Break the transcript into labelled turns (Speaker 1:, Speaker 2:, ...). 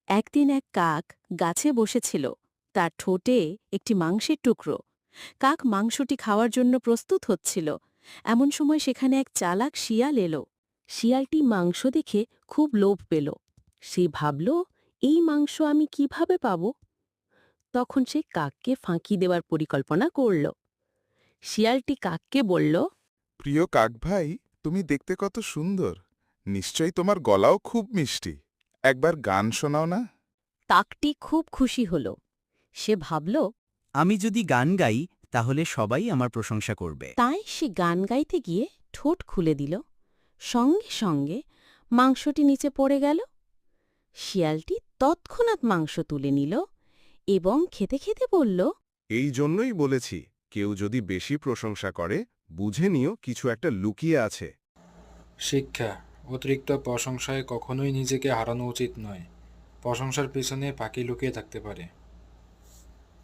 Speaker 1: একদিন এক কাক গাছে বসেছিল। তার ঠোঁটে একটি মাংসের টুকরো। কাক মাংসটি খাওয়ার জন্য প্রস্তুত হচ্ছিল। এমন সময় সেখানে এক চালাক শিয়াল এলো। শিয়ালটি মাংস দেখে খুব লোভ পেল। সে ভাবল, এই মাংস আমি কিভাবে পাব? তখন সে কাককে ফাঁকি দেওয়ার পরিকল্পনা করল। শিয়ালটি কাককে বলল,
Speaker 2: প্রিয় কাক ভাই, তুমি দেখতে কত সুন্দর। নিশ্চয়ই তোমার গলাও খুব মিষ্টি। একবার গান শোনাও না।
Speaker 1: কাকটি খুব খুশি হল। সে ভাবল,
Speaker 3: আমি যদি গান গাই তাহলে সবাই আমার প্রশংসা করবে।
Speaker 1: তাই সে গান গাইতে গিয়ে ঠোঁট খুলে দিল। সঙ্গে সঙ্গে মাংসটি নিচে পড়ে গেল। শিয়ালটি তৎক্ষণাৎ মাংস তুলে নিল এবং খেতে খেতে বলল,
Speaker 4: এই জন্যই বলেছি, কেউ যদি বেশি প্রশংসা করে বুঝে নিও কিছু একটা লুকিয়ে আছে।
Speaker 5: শিক্ষা: অতিরিক্ত প্রশংসায় কখনোই নিজেকে হারানো উচিত নয়। প্রশংসার পেছনে ফাঁকি লুকিয়ে থাকতে পারে।